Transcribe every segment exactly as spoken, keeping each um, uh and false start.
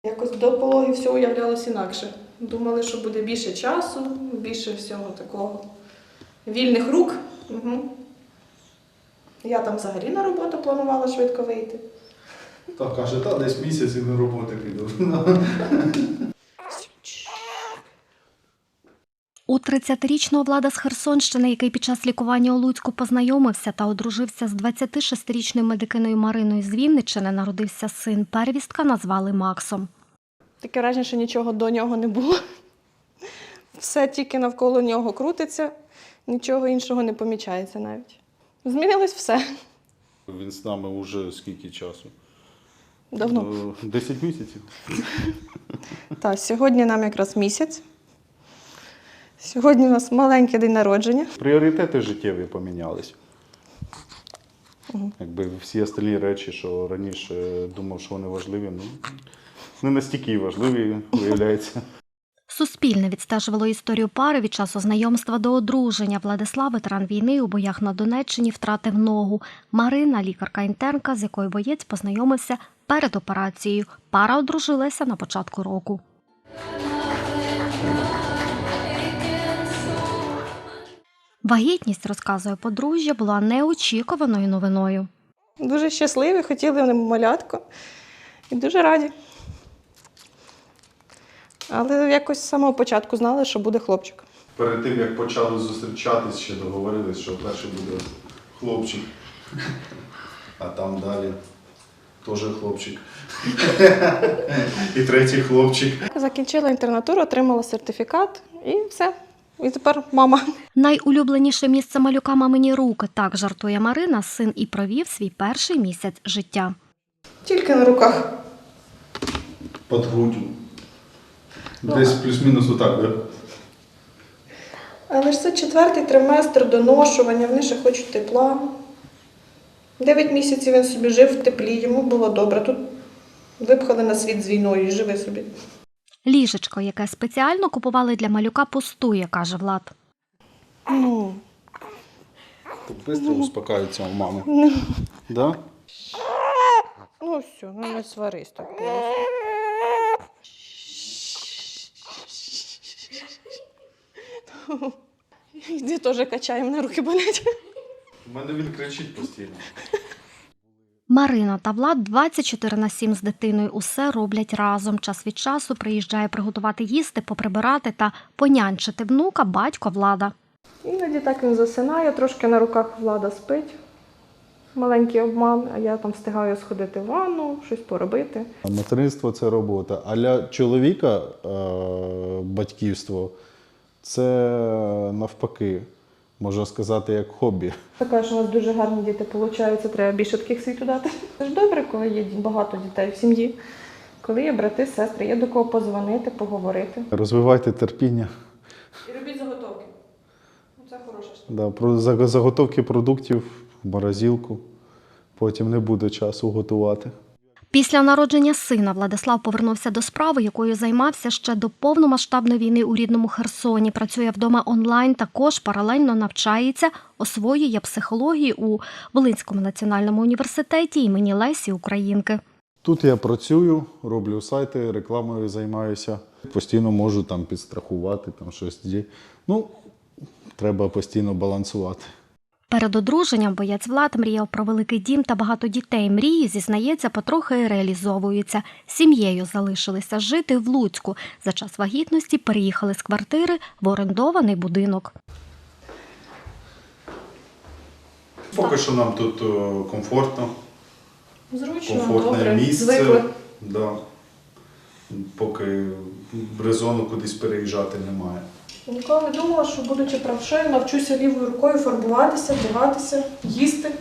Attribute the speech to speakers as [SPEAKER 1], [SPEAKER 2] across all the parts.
[SPEAKER 1] Якось до пологів все уявлялось інакше. Думали, що буде більше часу, більше всього такого вільних рук. Угу. Я там взагалі на роботу планувала швидко вийти.
[SPEAKER 2] Так, каже, та десь місяць і на роботу піду.
[SPEAKER 3] У тридцятирічного Влада з Херсонщини, який під час лікування у Луцьку познайомився та одружився з двадцятишестирічною медикиною Мариною з Вінниччини, народився син. Первістка назвали Максом.
[SPEAKER 1] Таке враження, що нічого до нього не було. Все тільки навколо нього крутиться, нічого іншого не помічається навіть. Змінилось все.
[SPEAKER 2] Він з нами вже скільки часу?
[SPEAKER 1] Давно.
[SPEAKER 2] Десять місяців.
[SPEAKER 1] Так, сьогодні нам якраз місяць. Сьогодні у нас маленький день народження.
[SPEAKER 2] Пріоритети життєві помінялись. Угу. Якби всі остальні речі, що раніше думав, що вони важливі, ну, не настільки важливі, виявляється.
[SPEAKER 3] Суспільне відстежувало історію пари від часу знайомства до одруження. Владислав, ветеран війни, у боях на Донеччині втратив ногу. Марина – лікарка-інтернка, з якою боєць познайомився перед операцією. Пара одружилася на початку року. Вагітність, розказує подружжя, була неочікуваною новиною.
[SPEAKER 1] Дуже щасливі, хотіли вони малятко і дуже раді. Але якось з самого початку знали, що буде хлопчик.
[SPEAKER 2] Перед тим, як почали зустрічатись, ще договорились, що перший буде хлопчик, а там далі теж хлопчик. І третій хлопчик.
[SPEAKER 1] Закінчила інтернатуру, отримала сертифікат і все. І тепер мама.
[SPEAKER 3] Найулюбленіше місце малюка – мамині руки. Так жартує Марина, син і провів свій перший місяць життя.
[SPEAKER 1] Тільки на руках.
[SPEAKER 2] Під груддю. Десь плюс-мінус отак, так?
[SPEAKER 1] Але ж це четвертий триместр доношування, вони ще хочуть тепла. Дев'ять місяців він собі жив в теплі, йому було добре. Тут випхали на світ з війною і живи собі.
[SPEAKER 3] Ліжечко, яке спеціально купували для малюка, пустує, каже Влад.
[SPEAKER 1] Ну.
[SPEAKER 2] Так швидко успокаються у мами. Ну. Да?
[SPEAKER 1] Ну все, ну не сварись так просто. Іди теж качай, мене руки болять.
[SPEAKER 2] У мене він кричить постійно.
[SPEAKER 3] Марина та Влад двадцять чотири на сім з дитиною усе роблять разом. Час від часу приїжджає приготувати їсти, поприбирати та понянчити внука батько Влада.
[SPEAKER 1] Іноді так він засинає, трошки на руках Влада спить. Маленький обман, а я там встигаю сходити в ванну, щось поробити.
[SPEAKER 2] Материнство – це робота. А для чоловіка е- батьківство – це навпаки, можна сказати, як хобі.
[SPEAKER 1] Така, що у нас дуже гарні діти виходить, треба більше таких світу дати. Це ж добре, коли є багато дітей в сім'ї, коли є брати, сестри, є до кого подзвонити, поговорити.
[SPEAKER 2] Розвивайте терпіння.
[SPEAKER 1] І робіть заготовки. Це хороша штука.
[SPEAKER 2] Да, про заготовки продуктів в морозилку, потім не буде часу готувати.
[SPEAKER 3] Після народження сина Владислав повернувся до справи, якою займався ще до повномасштабної війни у рідному Херсоні. Працює вдома онлайн, також паралельно навчається, освоює психологію у Волинському національному університеті імені Лесі Українки.
[SPEAKER 2] Тут я працюю, роблю сайти, рекламою займаюся. Постійно можу там підстрахувати, там щось. Ну, треба постійно балансувати.
[SPEAKER 3] Перед одруженням боєць Влад мріяв про великий дім та багато дітей. Мрії, зізнається, потрохи реалізовуються. Сім'єю залишилися жити в Луцьку. За час вагітності переїхали з квартири в орендований будинок.
[SPEAKER 2] Поки що нам тут комфортно.
[SPEAKER 1] Зручно,
[SPEAKER 2] Комфортне
[SPEAKER 1] добре,
[SPEAKER 2] місце.
[SPEAKER 1] звикли.
[SPEAKER 2] Да. Поки резону кудись переїжджати немає.
[SPEAKER 1] Ніколи не думала, що, будучи правшею, навчуся лівою рукою фарбуватися, вдягатися, їсти.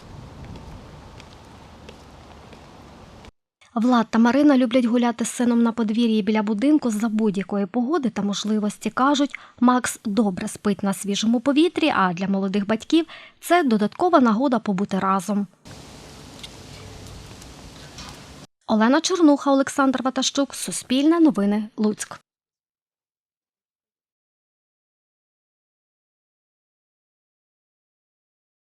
[SPEAKER 3] Влад та Марина люблять гуляти з сином на подвір'ї біля будинку за будь-якої погоди та можливості. Кажуть, Макс добре спить на свіжому повітрі, а для молодих батьків це додаткова нагода побути разом. Олена Чернуха, Олександр Ватащук, Суспільне новини, Луцьк.